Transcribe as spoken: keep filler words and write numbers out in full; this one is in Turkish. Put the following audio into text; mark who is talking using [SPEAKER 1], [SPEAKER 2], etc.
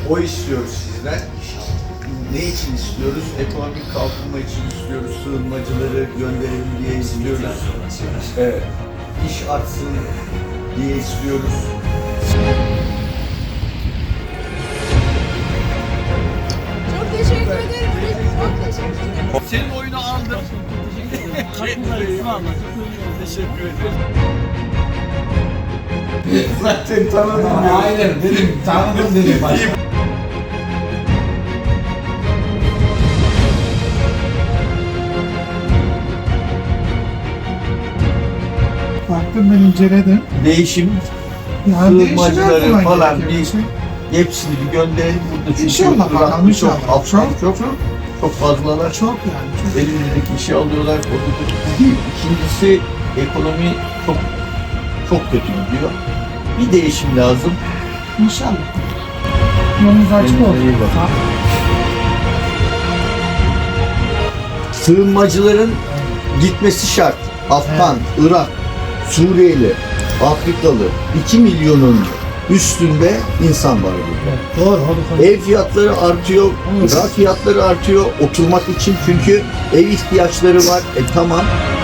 [SPEAKER 1] O istiyoruz sizden. Ne için istiyoruz? Ekonomik kalkınma için istiyoruz. Sığınmacıları gönderelim diye istiyoruz. Evet. İş artsın diye istiyoruz.
[SPEAKER 2] Çok teşekkür ederim. Çok teşekkür ederim.
[SPEAKER 1] Senin oyunu aldım. Teşekkür ederim. Zaten tanıdım.
[SPEAKER 3] Aynen dedim, tanıdım dedim başta.
[SPEAKER 4] Baktım ben inceledim.
[SPEAKER 1] Değişim,
[SPEAKER 4] Yani
[SPEAKER 1] sığınmacıları
[SPEAKER 4] değişim her
[SPEAKER 1] falan
[SPEAKER 4] zaman
[SPEAKER 1] bir
[SPEAKER 4] gerekiyor.
[SPEAKER 1] hepsini bir gönderelim burada. Çünkü
[SPEAKER 4] İnşallah
[SPEAKER 1] Irak'ta
[SPEAKER 4] bakalım, inşallah.
[SPEAKER 1] Çok, Afgan çok, çok, çok fazlalar.
[SPEAKER 4] Çok yani. Çok.
[SPEAKER 1] Elimizdeki işi alıyorlar. Orada değil. İkincisi ekonomi çok çok kötü gidiyor. Bir değişim lazım.
[SPEAKER 4] İnşallah. Yolunuz açık
[SPEAKER 1] Kendinize
[SPEAKER 4] olsun.
[SPEAKER 1] iyi bakın. Sığınmacıların gitmesi şart. Afgan, Irak, Suriyeli, Afrikalı iki milyonun üstünde insan var burada.
[SPEAKER 4] Doğru, doğru.
[SPEAKER 1] Ev fiyatları artıyor, gıda fiyatları artıyor oturmak için çünkü ev ihtiyaçları var. E tamam.